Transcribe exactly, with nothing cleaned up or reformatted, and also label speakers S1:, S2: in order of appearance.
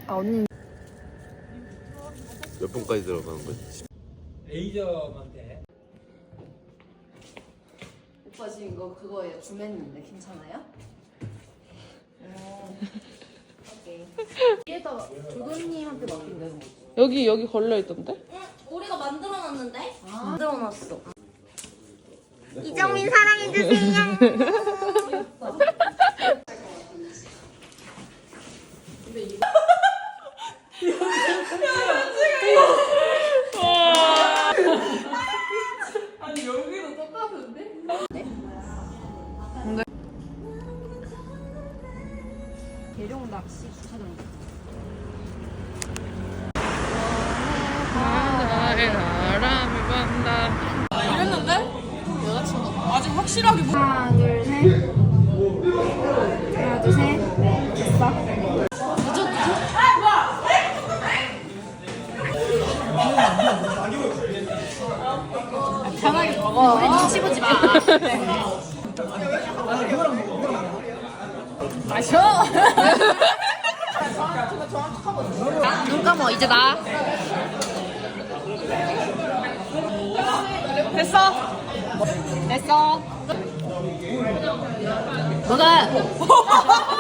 S1: 아 언니
S2: 몇 분까지 들어가는 거지?
S3: 레이저만 돼.
S1: 오빠 지금 이거 그거예요. 줌했는데 괜찮아요? 오. 오케이. 위에다가 조교님한테 맡긴다는 거지.
S4: 여기 여기 걸려 있던데?
S5: 응, 우리가 만들어놨는데?
S1: 아.
S5: 만들어놨어.
S1: 이정민 사랑해주세요. 근데 이거 아니 여기도 똑같은데? 네? 근데 계룡 낚시 주차장.
S4: 나의 바람을 본다. 이랬는데? 아직 확실하게 못.
S1: 하나 둘 셋. 하나 둘 셋. 됐어. 늦어 늦어. 편하게 먹어. 우리 눈치 보지 마. 마셔. 눈 감어 이제 나. 됐어. 됐어. 너가